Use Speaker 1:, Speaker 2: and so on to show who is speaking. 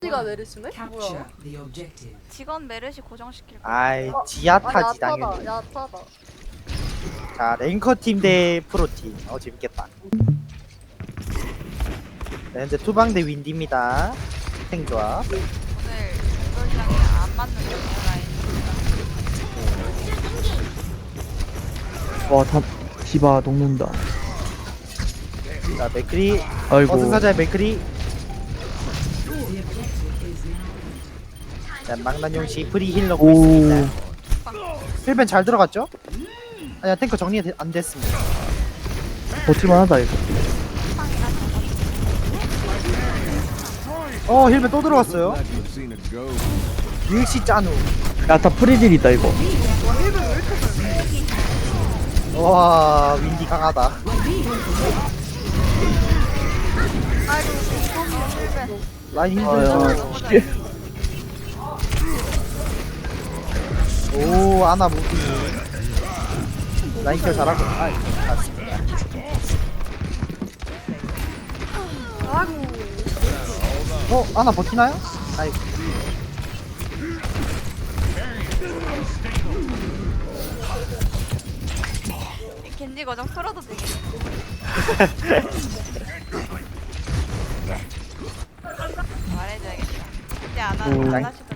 Speaker 1: 가 메르시네? 뭐야?
Speaker 2: Capture the objective.
Speaker 3: 직원 메르시 고정시킬 거.
Speaker 4: 아이
Speaker 1: 아
Speaker 4: 지하타지 당연히.
Speaker 1: 야타다 야타다.
Speaker 4: 자 랭커 팀 대 프로 팀. 재밌겠다. 네, 현재 투방 대 윈디입니다. 탱조합.
Speaker 3: 오늘 이걸장에 안 맞는 거예요 라인.
Speaker 5: 와, 다 디바 녹는다.
Speaker 4: 자 맥크리.
Speaker 5: 아이고.
Speaker 4: 어승사자의 맥크리. 자 망나뇽씨 프리 힐러
Speaker 5: 오.
Speaker 4: 있습니다. 힐벤 잘 들어갔죠? 아니야 탱커 정리 안 됐습니다.
Speaker 5: 버틸만하다 이거.
Speaker 4: 힐벤 또 들어왔어요. 유익시 짠우.
Speaker 5: 야타 프리딜이다 이거.
Speaker 4: 와 윈디 강하다.
Speaker 3: 아이고 실패.
Speaker 4: 라인
Speaker 5: 아야.
Speaker 4: 힘들죠. 오 아나 무비. 라인 켜 잘하고. 맞습니다. 아나 버티나요? 아이고.
Speaker 3: 겐지 고정 풀어도 되겠네. 말해줘야겠다. 이제 안
Speaker 5: 오.
Speaker 3: 하시고